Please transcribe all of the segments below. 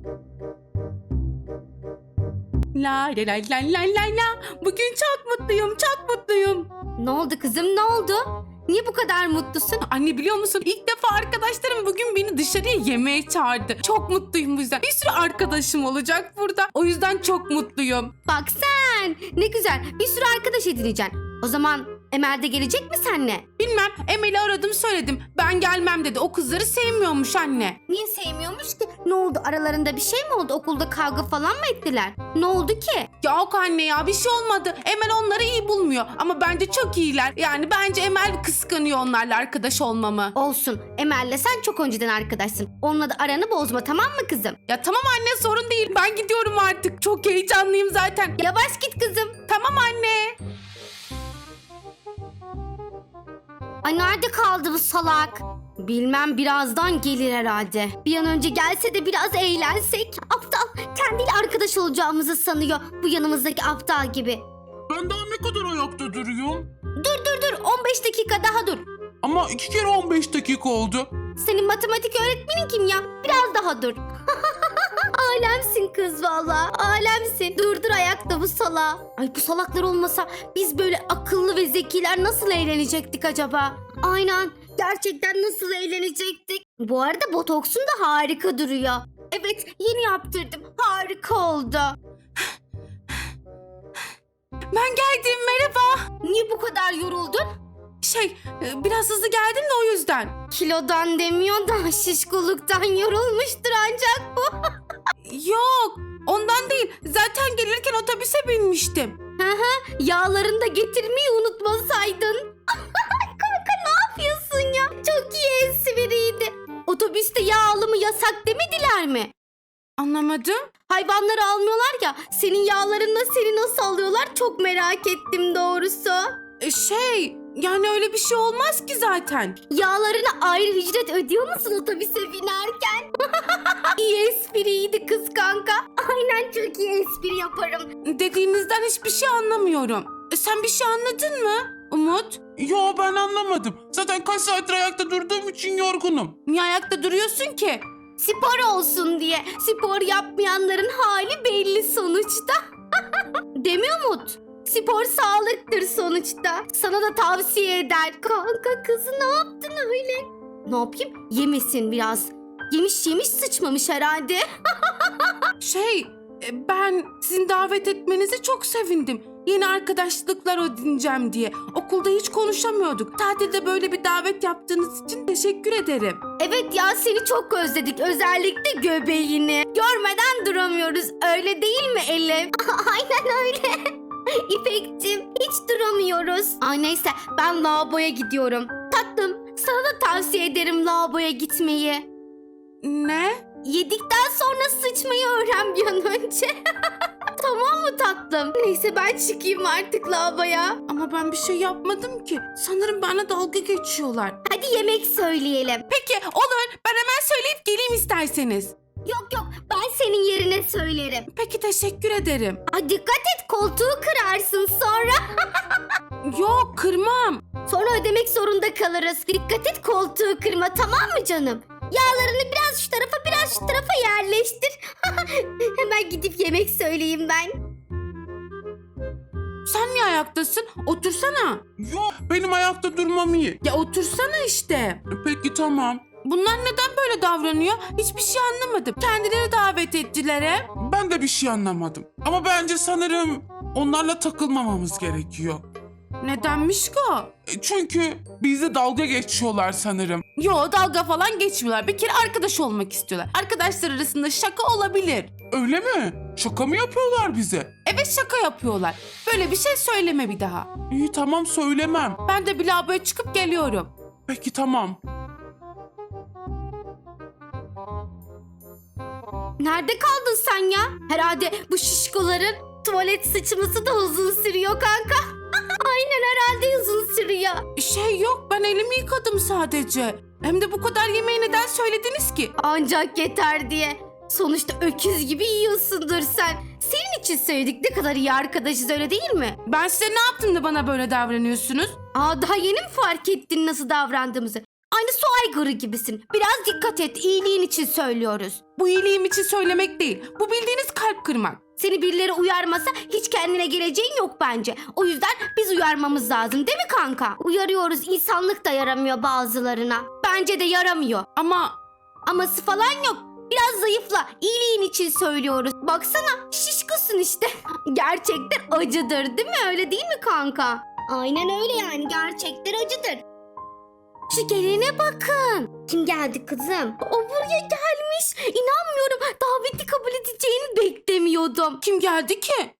La la la la la la la. Bugün çok mutluyum, çok mutluyum. Ne oldu kızım, ne oldu? Niye bu kadar mutlusun? Anne biliyor musun? İlk defa arkadaşlarım bugün beni dışarıya yemeğe çağırdı. Çok mutluyum bu yüzden. Bir sürü arkadaşım olacak burada. O yüzden çok mutluyum. Bak sen, ne güzel, bir sürü arkadaş edineceksin. O zaman Emel de gelecek mi seninle? Bilmem, Emel'i aradım söyledim. Ben gelmem dedi. O kızları sevmiyormuş anne. Niye sevmiyormuş ki? Ne oldu, aralarında bir şey mi oldu? Okulda kavga falan mı ettiler? Ne oldu ki? Yok anne ya, bir şey olmadı. Emel onları iyi bulmuyor. Ama bence çok iyiler. Yani bence Emel kıskanıyor onlarla arkadaş olmamı. Olsun, Emel'le sen çok önceden arkadaşsın. Onunla da aranı bozma, tamam mı kızım? Ya tamam anne, sorun değil. Ben gidiyorum artık. Çok heyecanlıyım zaten. Yavaş git kızım. Tamam anne. Ay nerede kaldı bu salak? Bilmem, birazdan gelir herhalde. Bir an önce gelse de biraz eğlensek. Aptal, kendiyle arkadaş olacağımızı sanıyor. Bu yanımızdaki aptal gibi. Ben daha ne kadar ayakta duruyorum? Dur, 15 dakika daha dur. Ama 2 kere 15 dakika oldu. Senin matematik öğretmenin kim ya? Biraz daha dur. Alemsin kız valla. Alemsin. Dur ayakta bu salak. Ay bu salaklar olmasa biz böyle akıllı ve zekiler nasıl eğlenecektik acaba? Aynen. Gerçekten nasıl eğlenecektik? Bu arada botoksun da harika duruyor. Evet, yeni yaptırdım. Harika oldu. Ben geldim, merhaba. Niye bu kadar yoruldun? Biraz hızlı geldim de o yüzden. Kilodan demiyor da şişkoluktan yorulmuştur ancak bu. Yok, ondan değil. Zaten gelirken otobüse binmiştim. Yağlarını da getirmeyi unutmasaydın. Kanka ne yapıyorsun ya? Çok iyi espriydi. Otobüste yağ alımı yasak demediler mi? Anlamadım. Hayvanları almıyorlar ya. Senin yağlarınla seni nasıl alıyorlar çok merak ettim doğrusu. Yani öyle bir şey olmaz ki zaten. Yağlarına ayrı ücret ödüyor musun otobüse binerken? İyi espriydi kız kanka. Aynen, çok iyi espri yaparım. Dediğinizden hiçbir şey anlamıyorum. Sen bir şey anladın mı Umut? Yo, ben anlamadım. Zaten kaç saattir ayakta durduğum için yorgunum. Niye ayakta duruyorsun ki? Spor olsun diye. Spor yapmayanların hali belli sonuçta. Demiyor Umut? Spor sağlıktır sonuçta. Sana da tavsiye eder. Kanka kızı ne yaptın öyle? Ne yapayım? Yemesin biraz. Yemiş sıçmamış herhalde. Ben sizin davet etmenize çok sevindim. Yeni arkadaşlıklar edineceğim diye. Okulda hiç konuşamıyorduk. Tatilde böyle bir davet yaptığınız için teşekkür ederim. Evet ya, seni çok özledik. Özellikle göbeğini. Görmeden duramıyoruz. Öyle değil mi Elif? Aynen öyle. İpek'cim hiç duramıyoruz. Ay neyse, ben lavaboya gidiyorum. Tatlım, sana da tavsiye ederim lavaboya gitmeyi. Ne? Yedikten sonra sıçmayı öğren bir an önce. Tamam mı tatlım? Neyse ben çıkayım artık lavaboya. Ama ben bir şey yapmadım ki. Sanırım bana dalga geçiyorlar. Hadi yemek söyleyelim. Peki olur. Ben hemen söyleyip geleyim isterseniz. Yok ben senin yerine söylerim. Peki teşekkür ederim. Ay dikkat et, koltuğu kırarsın sonra. Yok, kırmam. Sonra ödemek zorunda kalırız. Dikkat et, koltuğu kırma, tamam mı canım? Yağlarını biraz şu tarafa biraz şu tarafa yerleştir. Hemen gidip yemek söyleyeyim ben. Sen niye ayaktasın? Otursana. Yo, benim ayakta durmam iyi. Ya otursana işte. Peki tamam. Bunlar neden böyle davranıyor? Hiçbir şey anlamadım. Kendileri davet ettiler hep. Ben de bir şey anlamadım. Ama bence sanırım onlarla takılmamamız gerekiyor. Nedenmiş ki o? Çünkü bizle dalga geçiyorlar sanırım. Yo, dalga falan geçmiyorlar. Bir kere arkadaş olmak istiyorlar. Arkadaşlar arasında şaka olabilir. Öyle mi? Şaka mı yapıyorlar bize? Evet, şaka yapıyorlar. Böyle bir şey söyleme bir daha. İyi tamam, söylemem. Ben de bir lavaboya çıkıp geliyorum. Peki tamam. Nerede kaldın sen ya? Herhalde bu şişkoların tuvalet sıçması da uzun sürüyor kanka. Aynen, herhalde uzun sürüyor. Yok, ben elimi yıkadım sadece. Hem de bu kadar yemeği neden söylediniz ki? Ancak yeter diye. Sonuçta öküz gibi yiyorsundur sen. Senin için söyledik, ne kadar iyi arkadaşız, öyle değil mi? Ben size ne yaptım da bana böyle davranıyorsunuz? Daha yeni mi fark ettin nasıl davrandığımızı? Aynı su aygırı gibisin. Biraz dikkat et, iyiliğin için söylüyoruz. Bu iyiliğim için söylemek değil. Bu bildiğiniz kalp kırmak. Seni birileri uyarmasa hiç kendine geleceğin yok bence. O yüzden biz uyarmamız lazım değil mi kanka? Uyarıyoruz, insanlık da yaramıyor bazılarına. Bence de yaramıyor. Aması falan yok. Biraz zayıfla. İyiliğin için söylüyoruz. Baksana şişkosun işte. Gerçekten acıdır değil mi? Öyle değil mi kanka? Aynen öyle yani. Gerçekten acıdır. Şu gelene bakın. Kim geldi kızım? O buraya gelmiş. İnanmıyorum. Daveti kabul edeceğini beklemiyordum. Kim geldi ki?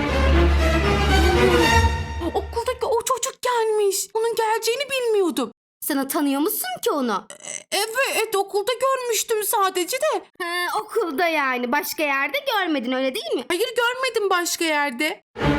Okuldaki o çocuk gelmiş. Onun geleceğini bilmiyordum. Sana tanıyor musun ki onu? Evet, okulda görmüştüm sadece de. Okulda yani. Başka yerde görmedin öyle değil mi? Hayır, görmedim başka yerde.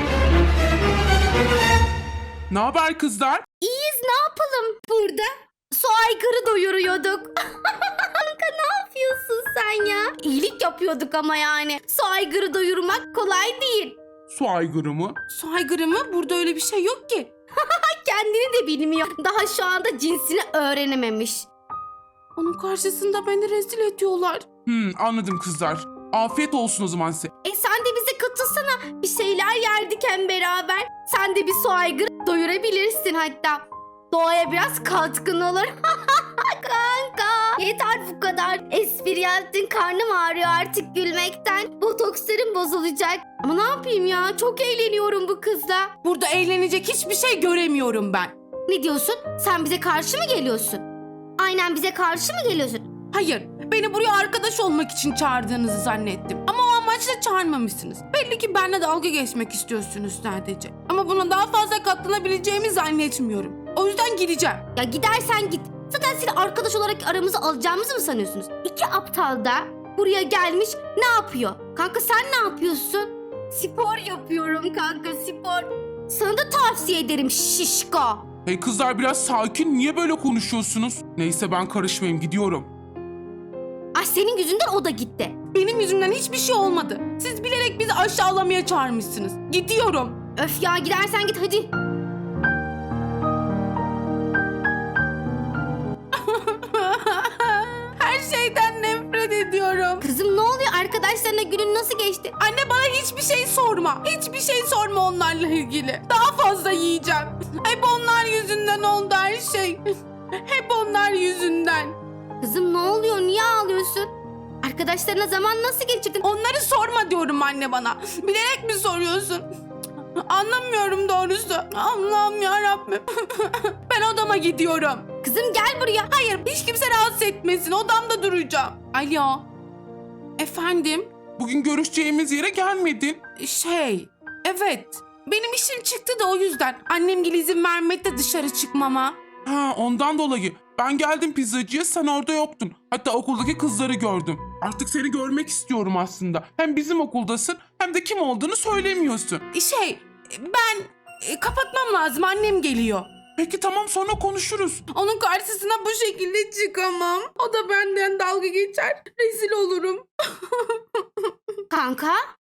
Ne haber kızlar? İyiyiz, ne yapalım burada? Su aygırı doyuruyorduk. Kanka ne yapıyorsun sen ya? İyilik yapıyorduk ama yani. Su aygırı doyurmak kolay değil. Su aygırı mı? Su aygırı mı? Burada öyle bir şey yok ki. Kendini de bilmiyor. Daha şu anda cinsini öğrenememiş. Onun karşısında beni rezil ediyorlar. Anladım kızlar. Afiyet olsun o zaman size. Sen de bize katılsana. Bir şeyler yerdik hem beraber. Sen de bir su aygırı doyurabilirsin hatta. Doğaya biraz katkın olur. Kanka. Yeter bu kadar. Espri yaptın, karnım ağrıyor artık gülmekten. Botokslarım bozulacak. Ama ne yapayım ya? Çok eğleniyorum bu kızla. Burada eğlenecek hiçbir şey göremiyorum ben. Ne diyorsun? Sen bize karşı mı geliyorsun? Aynen bize karşı mı geliyorsun? Hayır, beni buraya arkadaş olmak için çağırdığınızı zannettim. Ama o amaçla çağırmamışsınız. Belli ki benimle dalga geçmek istiyorsunuz sadece. Ama buna daha fazla katlanabileceğimi zannetmiyorum. O yüzden gideceğim. Ya gidersen git. Zaten seni arkadaş olarak aramıza alacağımızı mı sanıyorsunuz? İki aptal da buraya gelmiş ne yapıyor? Kanka sen ne yapıyorsun? Spor yapıyorum kanka, spor. Sana da tavsiye ederim şişko. Hey kızlar biraz sakin. Niye böyle konuşuyorsunuz? Neyse ben karışmayayım gidiyorum. Ay senin yüzünden o da gitti. Benim yüzümden hiçbir şey olmadı. Siz bilerek bizi aşağılamaya çağırmışsınız. Gidiyorum. Öf ya gidersen git hadi. Her şeyden nefret ediyorum. Kızım ne oluyor? Arkadaşlarına günün nasıl geçti? Anne bana hiçbir şey sorma. Hiçbir şey sorma onlarla ilgili. Daha fazla yiyeceğim. Hep onlar yüzünden oldu her şey. Hep onlar yüzünden. Kızım ne oluyor? Niye ağlıyorsun? Arkadaşlarına zaman nasıl geçirdin? Onları sorma diyorum anne bana. Bilerek mi soruyorsun? Anlamıyorum doğrusu. Allah'ım yarabbim. Ben odama gidiyorum. Kızım gel buraya. Hayır, hiç kimse rahatsız etmesin. Odamda duracağım. Alo. Efendim? Bugün görüşeceğimiz yere gelmedin. Evet. Benim işim çıktı da o yüzden. Annem izin vermedi de dışarı çıkmama. Ondan dolayı. Ben geldim pizzacıya, sen orada yoktun. Hatta okuldaki kızları gördüm. Artık seni görmek istiyorum aslında. Hem bizim okuldasın hem de kim olduğunu söylemiyorsun. Ben kapatmam lazım. Annem geliyor. Peki tamam, sonra konuşuruz. Onun karşısına bu şekilde çıkamam. O da benden dalga geçer. Rezil olurum. Kanka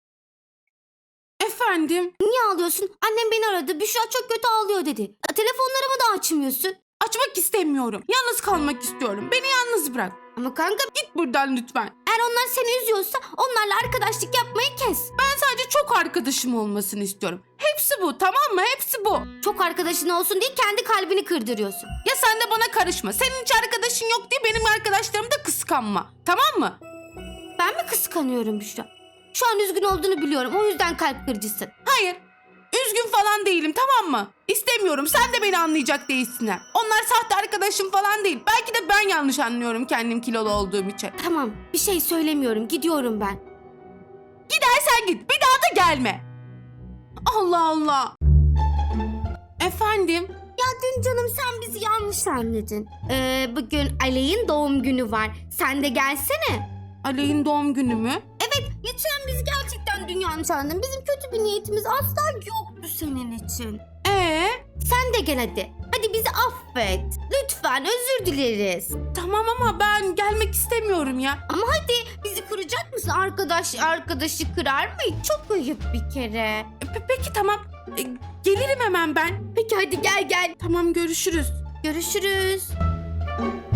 Efendim? niye ağlıyorsun? Annem beni aradı. Büşra çok kötü ağlıyor dedi. Telefonlarımı da açmıyorsun. Açmak istemiyorum. Yalnız kalmak istiyorum. Beni yalnız bırak. Ama kanka Git buradan lütfen. eğer onlar seni üzüyorsa onlarla arkadaşlık yapmayı kes. Ben sadece çok arkadaşım olmasını istiyorum. Hepsi bu, tamam mı? Hepsi bu. Çok arkadaşın olsun diye kendi kalbini kırdırıyorsun. Ya sen de bana karışma. Senin hiç arkadaşın yok diye benim arkadaşlarımı da kıskanma. Tamam mı? Ben mi kıskanıyorum Büşra? Şu an üzgün olduğunu biliyorum. O yüzden kalp kırıcısın. Hayır. Üzgün falan değilim, tamam mı? İstemiyorum. Sen de beni anlayacak değilsin. Onlar sahte arkadaşım falan değil. Belki de ben yanlış anlıyorum kendim kilolu olduğum için. Tamam bir şey söylemiyorum. Gidiyorum ben. Gidersen git. Bir daha da gelme. Allah Allah. Efendim? Ya dün canım sen bizi yanlış anladın. Bugün Aley'in doğum günü var. Sen de gelsene. Aley'in doğum günü mü? Lütfen bizi gerçekten dün yanlış anladın. Bizim kötü bir niyetimiz asla yoktu senin için. Sen de gel hadi. Hadi bizi affet. Lütfen özür dileriz. Tamam ama ben gelmek istemiyorum ya. Ama hadi bizi kıracak mısın? Arkadaşı kırar mı? Çok ayıp bir kere. Peki tamam. Gelirim hemen ben. Peki hadi gel. Tamam, görüşürüz. Görüşürüz.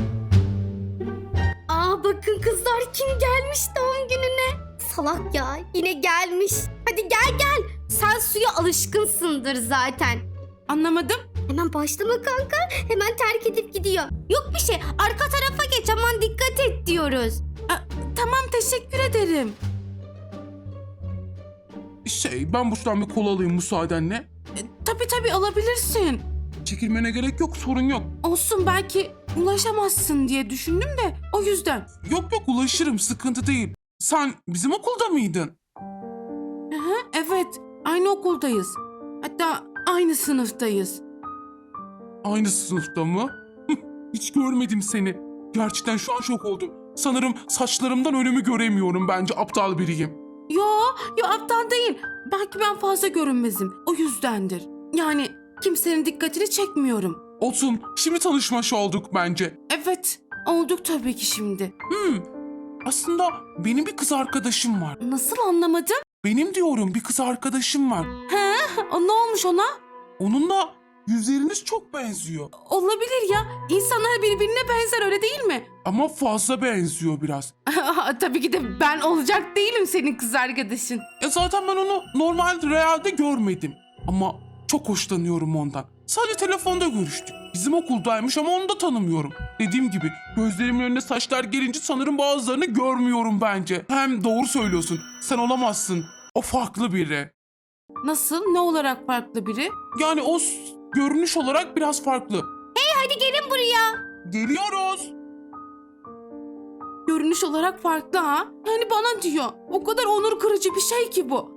bakın kızlar, kim gelmiş doğum gününe? Salak ya, yine gelmiş. Hadi gel gel. Sen suya alışkınsındır zaten. Anlamadım. Hemen başlama kanka. Hemen terk edip gidiyor. Yok bir şey. Arka tarafa geç, aman dikkat et diyoruz. Tamam, teşekkür ederim. Ben buradan bir kola alayım müsaadenle. Tabii alabilirsin. Çekilmene gerek yok, sorun yok. Olsun, belki ulaşamazsın diye düşündüm de o yüzden. Yok ulaşırım, sıkıntı değil. Sen bizim okulda mıydın? Aha, evet, aynı okuldayız. Hatta aynı sınıftayız. Aynı sınıfta mı? Hiç görmedim seni. Gerçekten şu an şok oldum. Sanırım saçlarımdan önümü göremiyorum, bence aptal biriyim. Yo aptal değil. Belki ben fazla görünmezim. O yüzdendir. Yani kimsenin dikkatini çekmiyorum. Olsun, şimdi tanışmış olduk bence. Evet, olduk tabii ki şimdi. Aslında benim bir kız arkadaşım var. Nasıl, anlamadım? Benim diyorum, bir kız arkadaşım var. Ne olmuş ona? Onunla yüzleriniz çok benziyor. Olabilir ya. İnsanlar birbirine benzer, öyle değil mi? Ama fazla benziyor biraz. Tabii ki de ben olacak değilim senin kız arkadaşın. Zaten ben onu normal realde görmedim. Ama çok hoşlanıyorum ondan. Sadece telefonda görüştük. Bizim okuldaymış ama onu da tanımıyorum. Dediğim gibi gözlerimin önüne saçlar gelince sanırım bazılarını görmüyorum bence. Hem doğru söylüyorsun. Sen olamazsın. O farklı biri. Nasıl? Ne olarak farklı biri? Yani o görünüş olarak biraz farklı. Hadi gelin buraya. Geliyoruz. Görünüş olarak farklı ha? Yani bana diyor. O kadar onur kırıcı bir şey ki bu.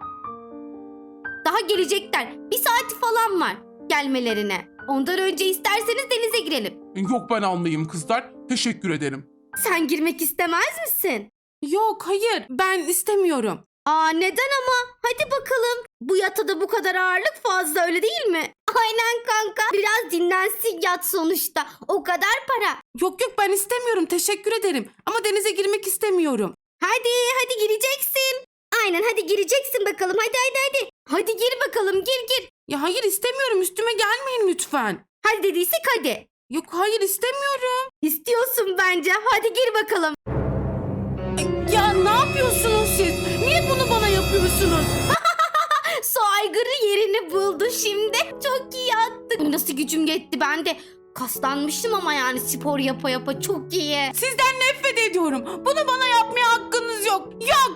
Daha gelecekler. Bir saati falan var gelmelerine. Ondan önce isterseniz denize girelim. Yok, ben almayayım kızlar. Teşekkür ederim. Sen girmek istemez misin? Yok, hayır, ben istemiyorum. Neden ama? Hadi bakalım. Bu yatada bu kadar ağırlık fazla, öyle değil mi? Aynen kanka. Biraz dinlensin yat sonuçta. O kadar para. Yok ben istemiyorum, teşekkür ederim. Ama denize girmek istemiyorum. Hadi gireceksin. Aynen, hadi gireceksin bakalım. Hadi. Hadi gir bakalım, gir. Ya hayır, istemiyorum, üstüme gelmeyin lütfen. Hadi dediysek hadi. Yok hayır, istemiyorum. İstiyorsun bence. Hadi gir bakalım. Ya ne yapıyorsunuz siz? Niye bunu bana yapıyorsunuz? Su aygırı yerini buldu şimdi. Çok iyi attık. Nasıl gücüm yetti, ben de kaslanmıştım ama yani spor yapa çok iyi. Sizden nefret ediyorum. Bunu bana yapmaya hakkınız yok. Yok.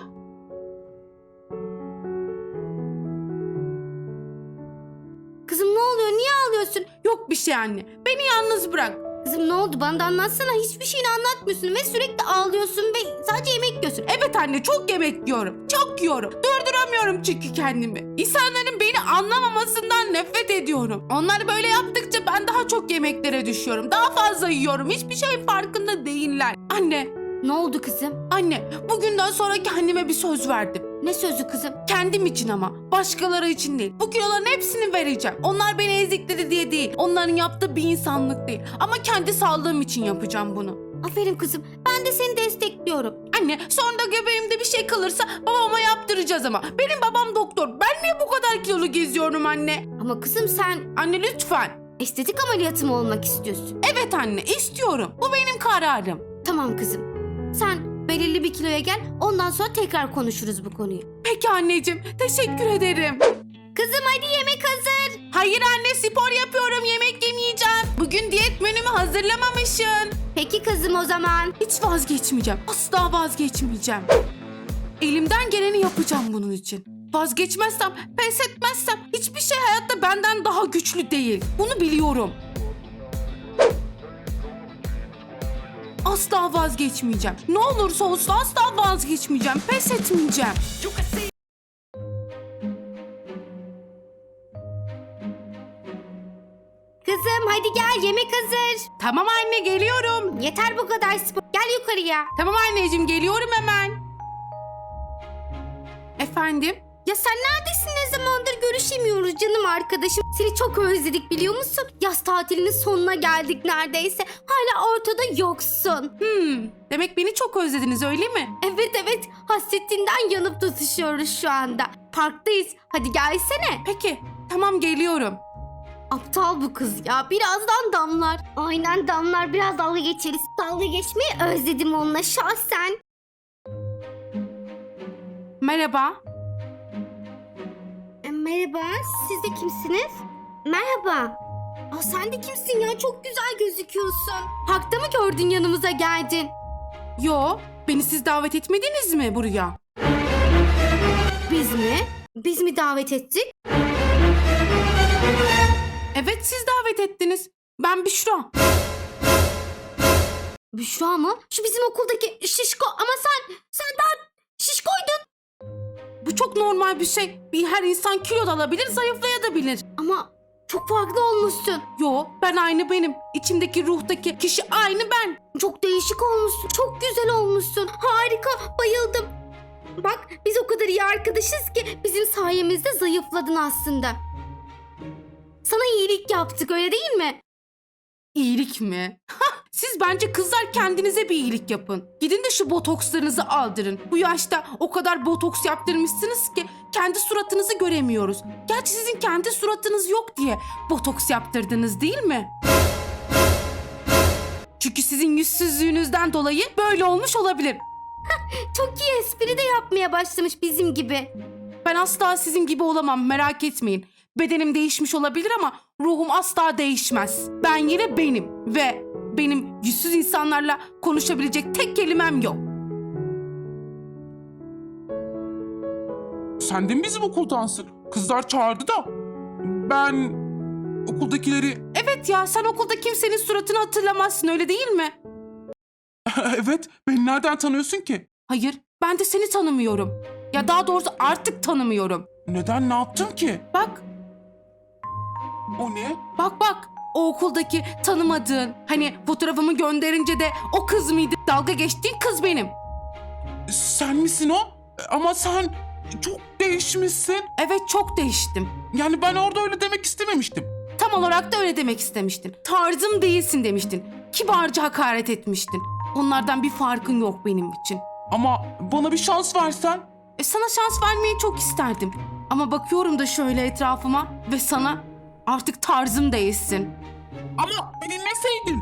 Kızım ne oluyor? Niye ağlıyorsun? Yok bir şey anne. Beni yalnız bırak. Kızım ne oldu? Bana da anlatsana. Hiçbir şeyini anlatmıyorsun ve sürekli ağlıyorsun ve sadece yemek yiyorsun. Evet anne, çok yemek yiyorum. Çok yiyorum. Durduramıyorum çünkü kendimi. İnsanların beni anlamamasından nefret ediyorum. Onlar böyle yaptıkça ben daha çok yemeklere düşüyorum. Daha fazla yiyorum. Hiçbir şeyin farkında değiller. Anne, Ne oldu kızım? anne, bugünden sonra kendime bir söz verdim. Ne sözü kızım? Kendim için ama. Başkaları için değil. Bu kiloların hepsini vereceğim. Onlar beni ezikledi diye değil. Onların yaptığı bir insanlık değil. Ama kendi sağlığım için yapacağım bunu. Aferin kızım. Ben de seni destekliyorum. Anne, sonra da göbeğimde bir şey kalırsa babama yaptıracağız ama. Benim babam doktor. Ben niye bu kadar kilolu geziyorum anne? Ama kızım sen Anne lütfen. estetik ameliyatı mı olmak istiyorsun? Evet anne, istiyorum. Bu benim kararım. Tamam kızım. Sen belirli bir kiloya gel. Ondan sonra tekrar konuşuruz bu konuyu. Peki anneciğim, teşekkür ederim. Kızım hadi yemek hazır. Hayır anne, spor yapıyorum, yemek yemeyeceğim. Bugün diyet menümü hazırlamamışsın. Peki kızım o zaman. Hiç vazgeçmeyeceğim. Asla vazgeçmeyeceğim. Elimden geleni yapacağım bunun için. Vazgeçmezsem, pes etmezsem hiçbir şey hayatta benden daha güçlü değil. Bunu biliyorum. Asla vazgeçmeyeceğim. Ne olursa olsun asla vazgeçmeyeceğim. Pes etmeyeceğim. Kızım hadi gel, yemek hazır. Tamam anne, geliyorum. Yeter bu kadar spor. Gel yukarıya. Tamam anneciğim, geliyorum hemen. Efendim? Ya sen neredesin? Ne zamandır görüşemiyoruz canım arkadaşım. Seni çok özledik biliyor musun? Yaz tatilinin sonuna geldik neredeyse. Hala ortada yoksun. Demek beni çok özlediniz, öyle mi? Evet. Hasretinden yanıp tutuşuyoruz şu anda. Parktayız. Hadi gelsene. Peki, tamam geliyorum. Aptal bu kız ya. Birazdan damlar. Aynen damlar. Biraz dalga geçeriz. Dalga geçmeyi özledim onunla şahsen. Merhaba. Merhaba. Siz de kimsiniz? Merhaba. Aa, sen de kimsin ya? Çok güzel gözüküyorsun. Parkta mı gördün yanımıza geldin? Yo, beni siz davet etmediniz mi buraya? Biz mi? Biz mi davet ettik? Evet, siz davet ettiniz. Ben Büşra. Büşra mı? Şu bizim okuldaki şişko ama sen daha şişkoydun. Bu çok normal bir şey. Her insan kilo da alabilir, zayıflayabilir. Ama çok farklı olmuşsun. Yo, ben aynı benim. İçimdeki ruhtaki kişi aynı ben. Çok değişik olmuşsun. Çok güzel olmuşsun. Harika. Bayıldım. Bak biz o kadar iyi arkadaşız ki bizim sayemizde zayıfladın aslında. Sana iyilik yaptık öyle değil mi? İyilik mi? Siz bence kızlar kendinize bir iyilik yapın. Gidin de şu botokslarınızı aldırın. Bu yaşta o kadar botoks yaptırmışsınız ki kendi suratınızı göremiyoruz. Gerçi sizin kendi suratınız yok diye botoks yaptırdınız değil mi? Çünkü sizin yüzsüzlüğünüzden dolayı böyle olmuş olabilir. Çok iyi espri de yapmaya başlamış bizim gibi. Ben asla sizin gibi olamam, merak etmeyin. Bedenim değişmiş olabilir ama ruhum asla değişmez. Ben yine benim ve benim yüzsüz insanlarla konuşabilecek tek kelimem yok. Sen de mi bizim okuldansın? Kızlar çağırdı da. Ben okuldakileri... Evet ya, sen okulda kimsenin suratını hatırlamazsın, öyle değil mi? Evet, beni nereden tanıyorsun ki? Hayır, ben de seni tanımıyorum. Ya daha doğrusu artık tanımıyorum. Neden, ne yaptım ki? Bak, O ne? bak. O okuldaki tanımadığın, hani fotoğrafımı gönderince de o kız mıydı? Dalga geçtiğin kız benim. Sen misin o? Ama sen çok değişmişsin. Evet, çok değiştim. Yani ben orada öyle demek istememiştim. Tam olarak da öyle demek istemiştin. Tarzım değilsin demiştin. Kibarca hakaret etmiştin. Onlardan bir farkın yok benim için. Ama bana bir şans versen. Sana şans vermeyi çok isterdim. Ama bakıyorum da şöyle etrafıma ve sana artık tarzım değilsin. Ama beni dinleseydin.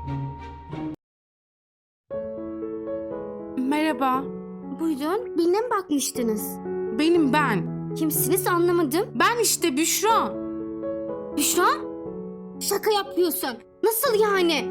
Merhaba, Buyurun birine mi bakmıştınız? benim ben. Kimsiniz anlamadım. Ben işte Büşra. Büşra? Şaka yapıyorsun. Nasıl yani?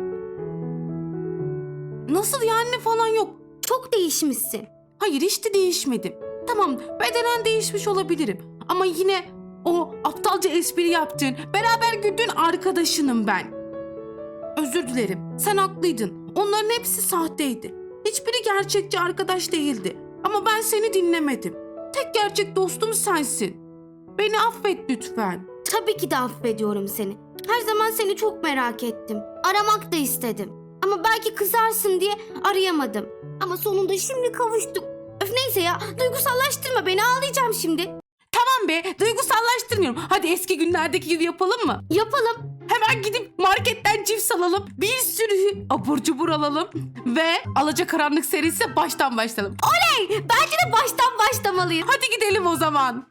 Nasıl yani falan yok. Çok değişmişsin. Hayır, hiç de değişmedim. Tamam, bedenen değişmiş olabilirim. Ama yine o aptalca espri yaptığın, beraber güldüğün arkadaşınım ben. Özür dilerim, sen haklıydın. Onların hepsi sahteydi. Hiçbiri gerçekçi arkadaş değildi. Ama ben seni dinlemedim. Tek gerçek dostum sensin. Beni affet lütfen. Tabii ki de affediyorum seni. Her zaman seni çok merak ettim. Aramak da istedim. Ama belki kızarsın diye arayamadım. Ama sonunda şimdi kavuştuk. Öf neyse ya, duygusallaştırma beni, ağlayacağım şimdi. Tamam be, duygusallaştırmıyorum. Hadi eski günlerdeki gibi yapalım mı? Yapalım. Hemen gidip marketten cips alalım. Bir sürü abur cubur alalım. Ve Alacakaranlık serisi baştan başlayalım. Bence de baştan başlamalıyız. Hadi gidelim o zaman.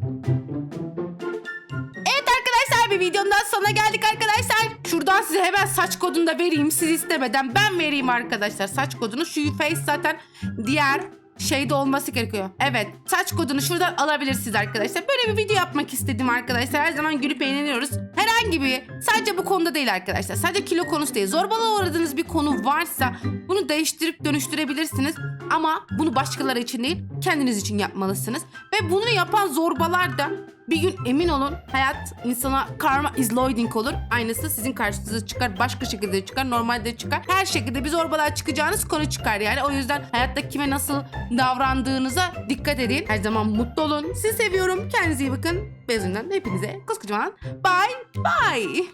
Evet arkadaşlar, bir videonun daha sonuna geldik arkadaşlar. Şuradan size hemen saç kodunu da vereyim. Siz istemeden ben vereyim arkadaşlar saç kodunu. Şu face zaten diğer şeyde olması gerekiyor. Evet, saç kodunu şuradan alabilirsiniz arkadaşlar. Böyle bir video yapmak istedim arkadaşlar. Her zaman gülüp eğleniyoruz. Herhangi bir, sadece bu konuda değil arkadaşlar. Sadece kilo konusu değil. Zorbalığa uğradığınız bir konu varsa bunu değiştirip dönüştürebilirsiniz. Ama bunu başkaları için değil, kendiniz için yapmalısınız. Ve bunu yapan zorbalar da bir gün emin olun, hayat insana karma is loading olur. Aynısı sizin karşınıza çıkar, başka şekilde çıkar, normalde çıkar. Her şekilde bir zorbalığa çıkacağınız konu çıkar yani. O yüzden hayatta kime nasıl davrandığınıza dikkat edin. Her zaman mutlu olun. Sizi seviyorum. Kendinize iyi bakın. Bezimden hepinize koskocaman bye bye.